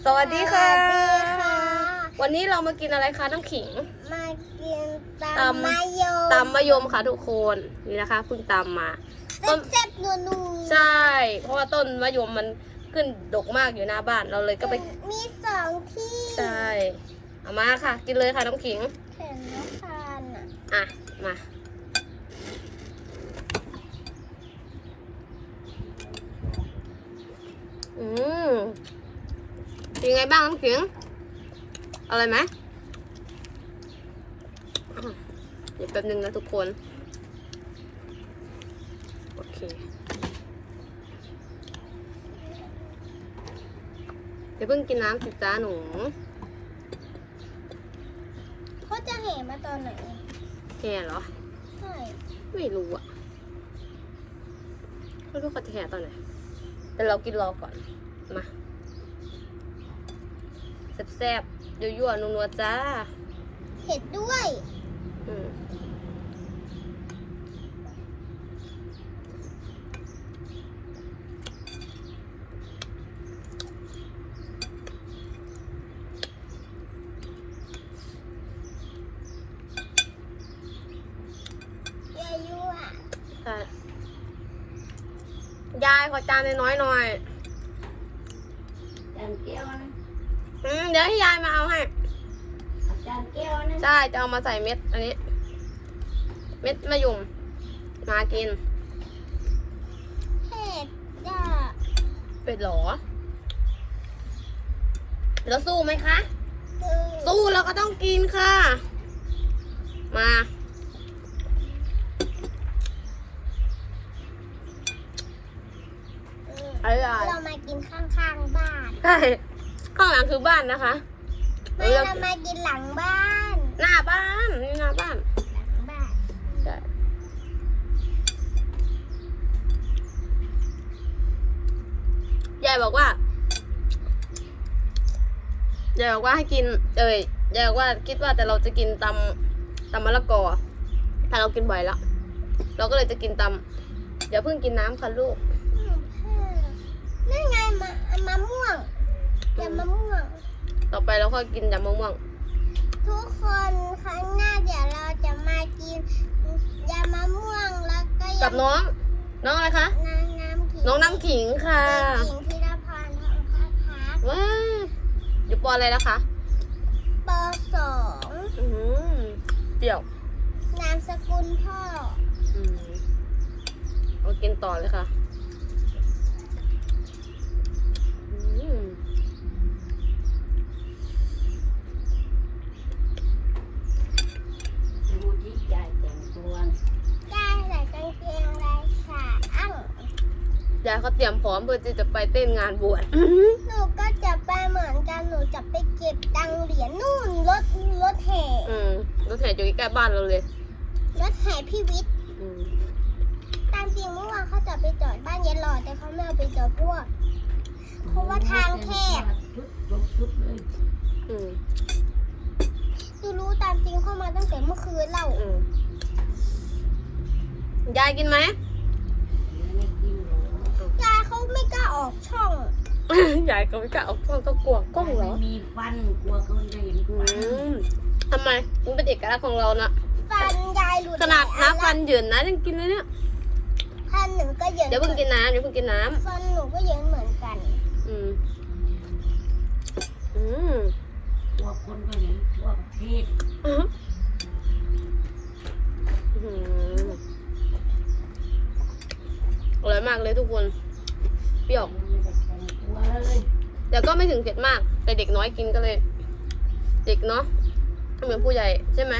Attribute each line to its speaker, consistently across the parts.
Speaker 1: สวัสดีค่ะ
Speaker 2: สวัสดีค่ะ
Speaker 1: วันนี้เรามากินอะไรคะน้ำขิง
Speaker 2: มากิน
Speaker 1: ตำ
Speaker 2: ตำมะยม
Speaker 1: ตำมะยมค่ะทุกคนนี่นะคะเพิ่งตำมาต้น
Speaker 2: แซ่บๆนัวๆ
Speaker 1: ใช่ เพราะว่าต้นมะยมมันขึ้นดกมากอยู่หน้าบ้านเราเลยก็ไป
Speaker 2: มีสองที่
Speaker 1: ใช่เอามาค่ะ กินเลยค่ะน้ำขิง
Speaker 2: เห็นแล้วทานอ่ะ
Speaker 1: อ่ะมาอืมเป็นไงบ้างน้ำขิงอร่อยไหมเดี๋ยวแป๊บนึงนะทุกคนโอเคเดี๋ยวเพิ่งกินน้ำสิจ้าหนู
Speaker 2: เขาจะเห็นมาตอนไหน
Speaker 1: แห่เหรอ
Speaker 2: ใช่
Speaker 1: ไม่รู้อะไม่รู้เขาจะแห่ตอนไหนแต่เรากินรอก่อนมาแซ่บๆยั่วๆนัวๆจ้า
Speaker 2: เห็ดด้วย
Speaker 1: อืม
Speaker 2: เยอะยั่ว
Speaker 1: ใช่ยายขอจานน้อยๆหน่อย
Speaker 3: จานแก้วนะ
Speaker 1: เดี๋ยวให้ยายมาเอาให้
Speaker 3: เอาจานแก้วนะ
Speaker 1: ใช่จะเอามาใส่เม็ดอันนี้ เม็ดมะยมมากิน
Speaker 2: เห็ดจ้ะ
Speaker 1: เป็ดหรอ แล้วสู้ไหมคะ
Speaker 2: คือ
Speaker 1: สู้เราก็ต้องกินค่ะ มาอะไร
Speaker 2: เรามากินข้างๆบ้าน
Speaker 1: ใช่ข้างหลังคือบ้านนะคะ
Speaker 2: ไม่เรามากินหลังบ้าน
Speaker 1: หน้าบ้านนี่หน้าบ้าน
Speaker 2: หลังบ้าน
Speaker 1: ใช่ยายบอกว่ายายบอกว่าให้กินยายบอกว่าคิดว่าแต่เราจะกินตำมะละกอแต่เรากินบ่อยแล้วเราก็เลยจะกินเดี๋ยวเพิ่งกินน้ำค่ะลูก
Speaker 2: นั่นไงมะม่วงยำมะม่วง
Speaker 1: ต่อไปเราก็กินยำมะม่วง
Speaker 2: ทุกคนครั้งหน้าเดี๋ยวเราจะมากินยำมะม่วงแล้วก็
Speaker 1: กับน้องอะไรคะ
Speaker 2: น้ำขิง
Speaker 1: น้องน้ำขิงค่ะ
Speaker 2: เด็กหญิงธีรพรทองพัฒพัก
Speaker 1: ว้าวอยู่ปออะไรนะคะ
Speaker 2: ป .2
Speaker 1: อืมเปรี้ยวน
Speaker 2: ามสกุลพ่อ
Speaker 1: อืมเอากินต่อเลยค่ะอืม
Speaker 3: ดูที่ยายแต่งตัว
Speaker 2: ได้ใส่กางเกงลายขาอั้ง
Speaker 1: ยายเขาเตรียมพร้อมเพื่อที่จะไปเต้นงานบวช
Speaker 2: หนูก็จะไปเหมือนกันหนูจะไปเก็บตังค์เหรียญนู่นรถแห่
Speaker 1: รถแห่อยู่ใกล้ๆบ้านเราเลย
Speaker 2: รถแห่พี่วิทย์
Speaker 1: อืม
Speaker 2: ตามจริงเมื่อวานเขาจะไปจอดบ้านเย็นหล่อแต่เขาไม่เอาไปจอดเพราะว่าทางแคบ
Speaker 3: ชุดลบชุดเลย
Speaker 1: อืม
Speaker 2: ดูรู้ตามจริงเข้ามาตั้งแต่เมื่อคืนแล้ว
Speaker 1: อืมยายกินไหม
Speaker 3: ไม่กินหรอก
Speaker 2: ยายเขาไม่กล้าออกช่อง
Speaker 1: ยายก็ไม่กล้าออกกล้องก็กลัวกล้องเหรอ
Speaker 3: ไม่มีฟันกลัวคนจะเห็น
Speaker 1: อื
Speaker 3: ฟัน
Speaker 1: มทำไมมันเป็นเอกลักษณ์ของเรานะ
Speaker 2: ฟันยายหลุด
Speaker 1: ขนาด
Speaker 2: หลยอั
Speaker 1: น้ำฟันเหยินนะยังกินเลยเนี่ย
Speaker 2: ฟันหนูก็เหยิน
Speaker 1: เดี๋ยวเพิ่งกินน้ำเดี๋ยวเพิ่งกินน้
Speaker 2: ฟันหนูก็เหยินเหมือนกัน
Speaker 1: ำอืม อืม
Speaker 3: กลัวคนก็เห็นทั่วประเทศ
Speaker 1: อืมอร่อยมากเลยทุกคน เปรี้ยว
Speaker 3: ไม่ได้แต่งตัวเลย
Speaker 1: แต่ก็ไม่ถึงเผ็ดมาก แต่เด็กน้อยกินก็เลย เด็กเนาะไม่เหมือนผู้ใหญ่ใช่ไหม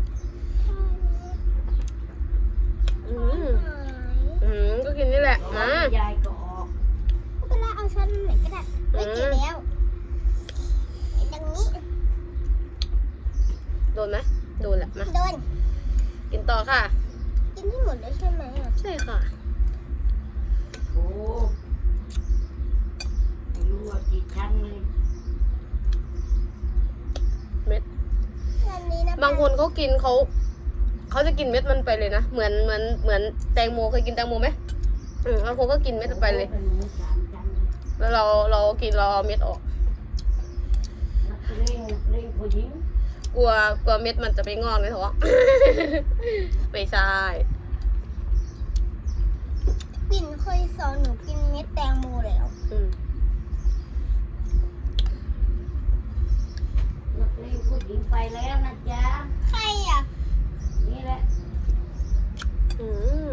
Speaker 1: อืมก็กินนี่แหละ
Speaker 3: บอก
Speaker 1: มา
Speaker 3: ว่ายายก็ออก
Speaker 2: ไม่เป็นไรเอาช้อนไหนก็ได้ไม่กินแล้วอย่างนี้
Speaker 1: โดนไหมโดนแหละมา
Speaker 2: โดน
Speaker 1: กินต่อค่ะ
Speaker 2: กินที่หมดเลยใช่ไหมอ่ะ
Speaker 1: ใช่ค่ะ
Speaker 3: โอ้ไม่รู้ว่ากี่ชั้นเลย
Speaker 1: เม็ด
Speaker 2: วันนี้นะ
Speaker 1: บางคนเขากินเขาจะกินเม็ดมันไปเลยนะ เหมือนแตงโมเคยกินแตงโมไหมบางคนก็กินเม็ดไปเลย
Speaker 3: เป็นหมูสามชั้นเลย
Speaker 1: แล้วเรากินเราเอาเม็ดออก
Speaker 3: ผู้หญิง
Speaker 1: กลัวเม็ดมันจะไปงอกในท้อง ไม่ใช่
Speaker 2: ปิ่นเคยสอนหนูกินเม็ดแตงโมแล้ว
Speaker 1: อืม
Speaker 3: นักเลงผู้หญิงไปแล้วนะจ๊ะ
Speaker 2: ใครอ่ะ
Speaker 3: นี่แหละ
Speaker 1: อืม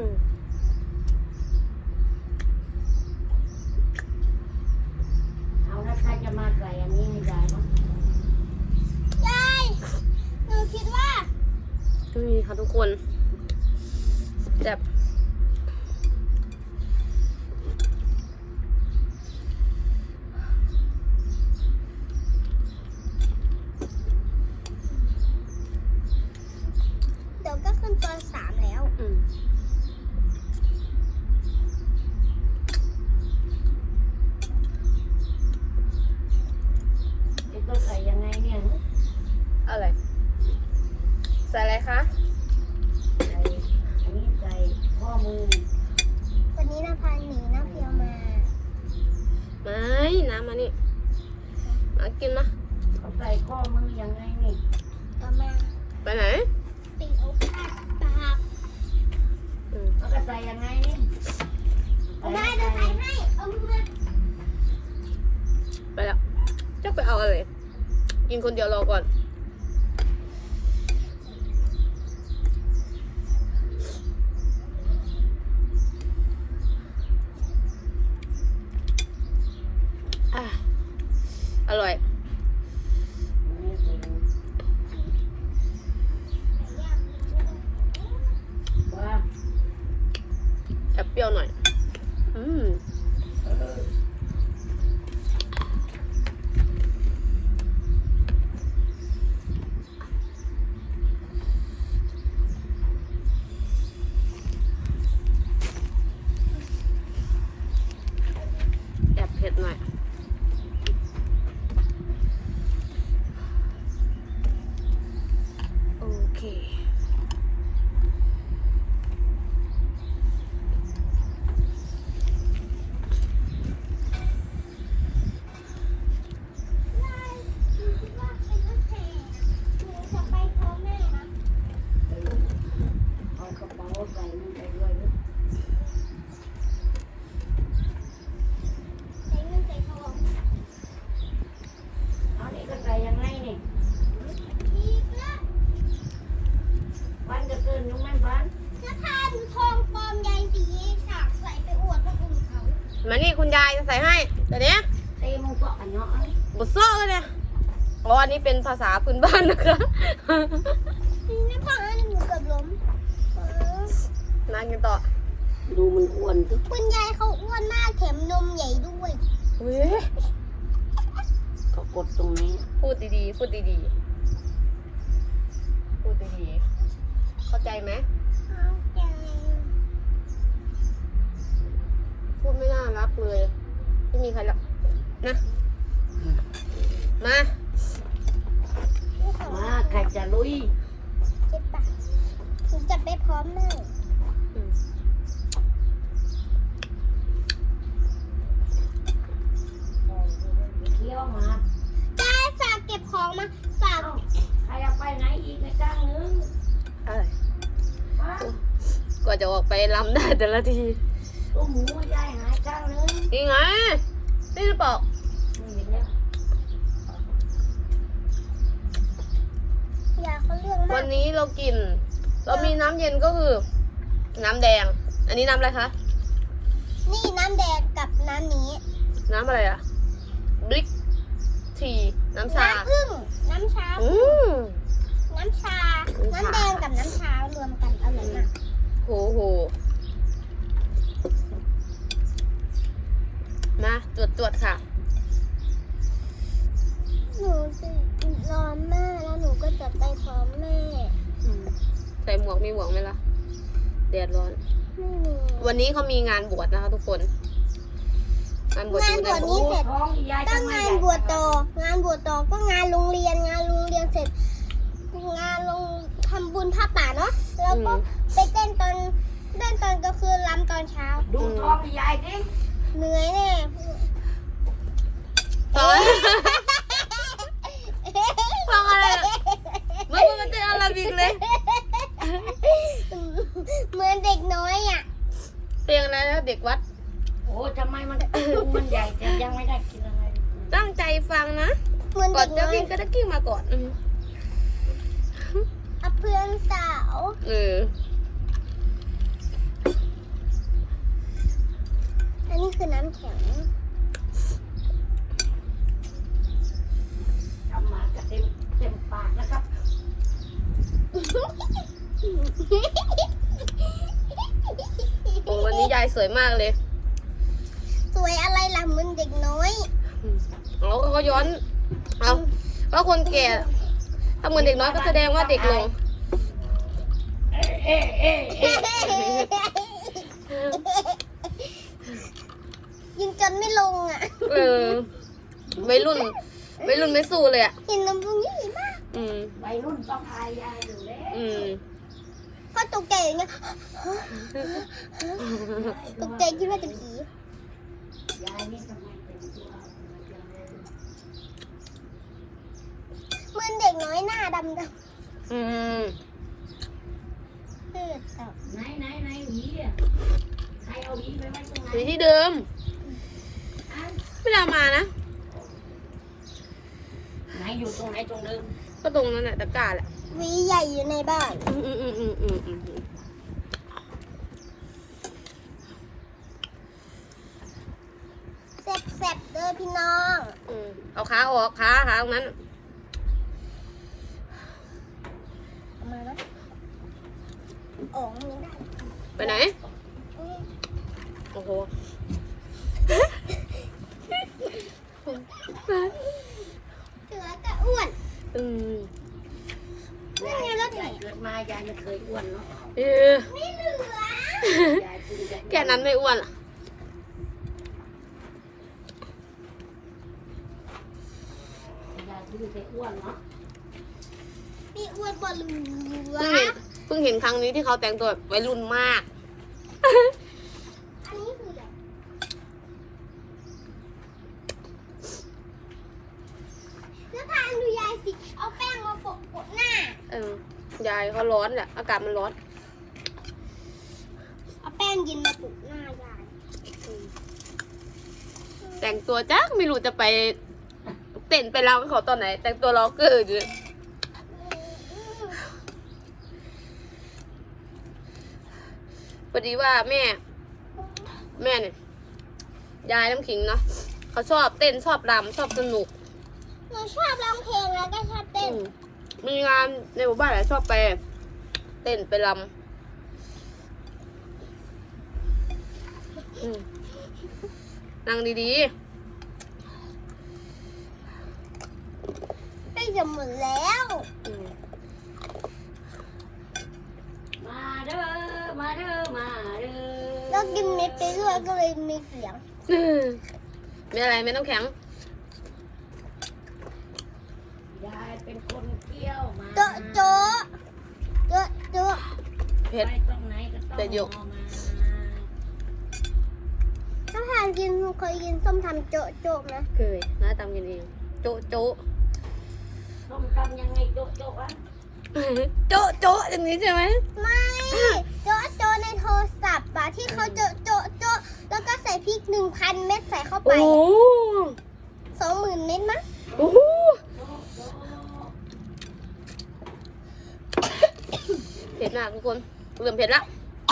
Speaker 3: เอานะใครจะมาใส่อันนี้ให้ยายเนาะ
Speaker 2: ยายหนูคิดว่า
Speaker 1: นี่ค่ะทุกคนแบบ
Speaker 2: เดี๋ยวก็ขึ้นป .3 แล้ว
Speaker 1: อืม
Speaker 3: จะต้องใส่ยังไงเนี่ย
Speaker 1: อะไรใส่อะไรคะ
Speaker 3: ใส่อันนี้ใส่ข้อมือ
Speaker 2: วันนี้นะพาหนีนะเพียวมา
Speaker 1: ไม่น้ำมานี่มากินมา
Speaker 3: เขาใส่ข้อมือยังไงนี่
Speaker 2: ก็มา
Speaker 1: ไปไหน
Speaker 2: ติดโอกาสปาก
Speaker 1: อืม
Speaker 3: เขาก็ใส่ยังไงนี่
Speaker 2: เอาได้เดี๋ยวใส่ให้ เอามือ
Speaker 1: ไปแล้วจะไปเอาอะไรกินคนเดียวรอก่อนอ่ะอร่อย
Speaker 3: ว่า
Speaker 1: แอบเปรี้ยวหน่อย อืม
Speaker 3: เออ
Speaker 1: แอบเผ็ดหน่อย โอเค
Speaker 2: ได้หนูคิดว่าเป็นรถแห่หนูจะไปพร้อมแม่นะ
Speaker 3: เอากระเป๋าใส่มันไปด้วยนะ
Speaker 2: ใส่เงินใส่ทอง
Speaker 3: เอานี่ก็ใส่ยังไงนี่
Speaker 2: อีกแล้ว
Speaker 3: วันจะเกินยุงแม่บ้าน
Speaker 2: จะพาหนูทองปลอมใยสีฉากใส่ไปอวดคนอื่นเขา
Speaker 1: มานี่คุณยายจะใส่ให้แต่เนี้ย
Speaker 3: เต้มึงก็อันเนาะ
Speaker 1: บดซ้อเลยเนี่ยอ๋ออันนี้เป็นภาษาพื้นบ้านนะคะ
Speaker 2: นี่พ่อหนูเกือบล้ม
Speaker 1: มากินต่อ
Speaker 3: ดูมันอ้วนสิ
Speaker 2: คุณยายเขาอ้วนมากแถมนมใหญ่ด้วย
Speaker 1: เว้ย
Speaker 3: เขากดตรงนี้
Speaker 1: พูดดีๆ พูดดีๆ พูดดีๆ เข้าใจไหม
Speaker 2: เอาใจ
Speaker 1: พูดไม่น่ารักเลย ไม่มีใครรักนะ มา
Speaker 3: มาใครจะลุย
Speaker 2: เจ็บปากหนูจะไปพร้อมแม่
Speaker 1: อืม
Speaker 3: เที่ยวมา
Speaker 2: ได้ฝากเก็บของมาฝาก
Speaker 3: เอ้าใครเอาไปไหนอีกในกลางนึง
Speaker 1: อะไร
Speaker 3: มาก
Speaker 1: ว่าจะออกไปลำได้แต่ละที
Speaker 3: ตัวหมูยายหายกลางนึง
Speaker 1: นี่ไง นี่หรือเปล่า
Speaker 3: ไม่เห็นแล้ว
Speaker 2: อย่าเขาเรื่องมา
Speaker 1: วั
Speaker 2: ก
Speaker 1: นนี้เรากิน เรามีน้ำเย็นก็คือ น้ำแดง อันนี้น้ำอะไรคะ
Speaker 2: นี่น้ำแดงกับน้ำนี้
Speaker 1: น้ำอะไรอะบลิกทีน้ำชา
Speaker 2: น้ำผึ้งน้ำชา
Speaker 1: อืม
Speaker 2: น้ำชา น้ำแดงกับน้ำชารวมกันอร่อยมาก
Speaker 1: โหโห มาตรวจค่ะ
Speaker 2: หนูจะรอแม่แล้วหนูก็จะไปพร้อมแม่
Speaker 1: อืมใส่หมวกมีหมวกไหมล่ะแดดร้อน
Speaker 2: ไม่มี
Speaker 1: วันนี้เขามีงานบวชนะคะทุกคน งานบวชอยู่ใน
Speaker 2: งานบวชนี้ เสร็จ
Speaker 3: ท้องยาย
Speaker 2: ต้อง
Speaker 3: ทำไม
Speaker 2: งาน
Speaker 3: ใหญ่
Speaker 2: บวชต่องานบวชต่อก็งานโรงเรียน งานโรงเรียนเสร็จ งานลงทำบุญผ้าป่าเนาะ แล้วก็ไปเต้นตอนกลางคืนรำตอนเช้า
Speaker 3: ดูท้องยายดิ
Speaker 2: เหนื่อยแน่
Speaker 1: ฟังอะไรฟังนะ
Speaker 2: เหมือน
Speaker 1: ก่อ
Speaker 2: เด็
Speaker 1: น
Speaker 2: ก
Speaker 1: จะ
Speaker 2: น้อ
Speaker 1: วิ่
Speaker 2: ย
Speaker 1: งก็จะกิ้งมาก่อน
Speaker 2: เอาเพื่อนสาว
Speaker 1: เออ
Speaker 2: อันนี้คือน้ำแข็ง
Speaker 3: ทำมาก็เต็มปากนะครับ
Speaker 1: โอ้วันนี้ยายสวยมากเลย
Speaker 2: สวยอะไรล่ะเหมือนเด็กน้อย
Speaker 1: เอาเขาย้อนเอาว่าคนแก่ถ้าเหมือนเด็กน้อยก็แสดงว่าเด็กลง
Speaker 2: ยิงจนไม่ลงอ่ะ
Speaker 1: เออวัยรุ่นไม่สู้เลยอ่ะ
Speaker 2: เห็นลำพุงใหญ่มาก
Speaker 1: อืม
Speaker 3: วัยรุ่นต้องอายยายอยู่แล้ว
Speaker 1: อืม
Speaker 2: พอตกใจอย่างเงี้ยตกใจคิดว่าจะผี
Speaker 3: ยายนี่ทำไมเป็นตัวเอาจังเลย
Speaker 2: เหมือนเด็กน้อยหน้าดำ
Speaker 1: อืม
Speaker 2: ๆเลือดออก
Speaker 3: ไหนหวีอ่ะใครเอาหวีไปไว้ตรงไหน
Speaker 1: อยู่ที่เดิม
Speaker 3: อ้าว
Speaker 1: ไม่ได้เอามานะ
Speaker 3: ไหนอยู่ตรงไหนตรงเดิม
Speaker 1: ก็ตรงนั้นแหละตะกร้าแหละ
Speaker 2: หวีใหญ่อยู่ในบ้าน
Speaker 1: อืม
Speaker 2: แซ่บๆเด้อพี่น้อง
Speaker 1: เอาขาออกขาตรงนั้น
Speaker 2: เอามานะออกไม่ได้
Speaker 1: ไปไหน โอ้โห
Speaker 2: เสือก็อ้วน
Speaker 1: อืม
Speaker 2: นั่นไงรถไหน
Speaker 3: ยายเกิดมายายไม่เคยอ้วนเนาะ
Speaker 1: เออ
Speaker 2: ไม่เหลือย
Speaker 3: ายกินแต่
Speaker 1: แค่นั้นไม่อ้วนหรอ
Speaker 3: ยายกินแต่อ้วนเนาะ
Speaker 2: พี่อ้วนบอลเหลือ
Speaker 1: เพิ่งเห็นครั้งนี้ที่เขาแต่งตัวแบบวัยรุ่นมาก
Speaker 2: อันนี้คืออะไรแล้วพาดูยายสิ เอาแป้งมาโปะหน้า
Speaker 1: ยายเขาร้อนแหละ อากาศมันร้อน
Speaker 2: เอาแป้งเย็นมาโปะหน้ายาย
Speaker 1: แต่งตัวจ้าไม่รู้จะไปเต้นไปเรากับเขาตอนไหน แต่งตัวล็อกเกอร์อยู่พอดีว่าแม่เนี่ยยายน้ำขิงเนาะเขาชอบเต้นชอบรำชอบสนุก
Speaker 2: หนูชอบร้องเพลงแล้วก็ชอบเต้น
Speaker 1: มีงานในหมู่บ้านหลายชอบไปเต้นไปรำนั่งดี
Speaker 2: ใกล้จะหมดแล้ว
Speaker 1: ๆ
Speaker 3: มาเด้อมาเด้อมาเด้อ
Speaker 2: แล้วกินเม็ดไปด้วยก็เลยมีเสียง
Speaker 1: มีอะไรไม่ต้องแข็ง
Speaker 3: ยายเป็นคนเที่ยวมา
Speaker 2: โจ๊ะโจ๊ะโจ๊ะโจ๊ะ
Speaker 1: เผ็ด
Speaker 3: ไปตรงไหนก็ต้อง
Speaker 1: แต่ยก
Speaker 3: เอามา
Speaker 2: ถ้าทานกินเคยกินส้มทำโจ๊ะโจ๊ะนะ
Speaker 1: เคยน้าตำกินเองโจ๊ะโจ๊ะ
Speaker 3: ต้มตำยังไงโจ๊ะโจ๊ะวะ
Speaker 1: โจ๊ะโจ๊ะอย่างนี้ใช่ไหม
Speaker 2: ไม่โจ๊ะโจ๊ะในโทรศัพท์อะที่เขาโจ๊ะโจ๊ะโจ๊ะแล้วก็ใส่พริก 1,000 เม็ดใส่เข้าไป
Speaker 1: โอ้
Speaker 2: 20,000 เม็ดมั้ง
Speaker 1: โอ้
Speaker 3: โจ๊ะโจ๊ะ
Speaker 1: เผ็ดมากทุกคนเริ่มเผ็ดละ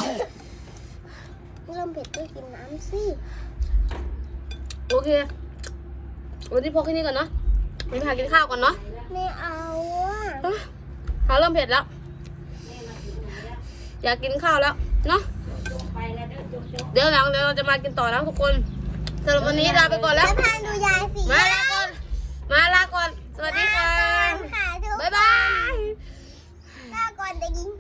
Speaker 2: เริ่มเผ็ดก็กินน้ำสิ
Speaker 1: โอเควันนี้พอแค่นี้ก่อนเนาะไปพากินข้าวก่อนเนาะ
Speaker 2: ไม่เอาอะ
Speaker 1: เขาเริ่มเผ็ดแล้ว
Speaker 3: แม่มาถึงไหนแล้ว
Speaker 1: อยากกินข้าวแล้วเนาะ
Speaker 3: โจ๊ะไปแล้วเด้อโจ๊ะโจ๊ะ
Speaker 1: เดี๋ยวหลังเราจะมากินต่อนะทุกคนสำหรับวันนี้ลาไปก่อนแล้ว
Speaker 2: แล้วทานดูยายสิ
Speaker 1: มาลาก่อน สวัสดีค่ะ
Speaker 2: ลาก่อนค่ะทุกคน
Speaker 1: บ๊ายบาย
Speaker 2: ลาก่อนเด็กหญิง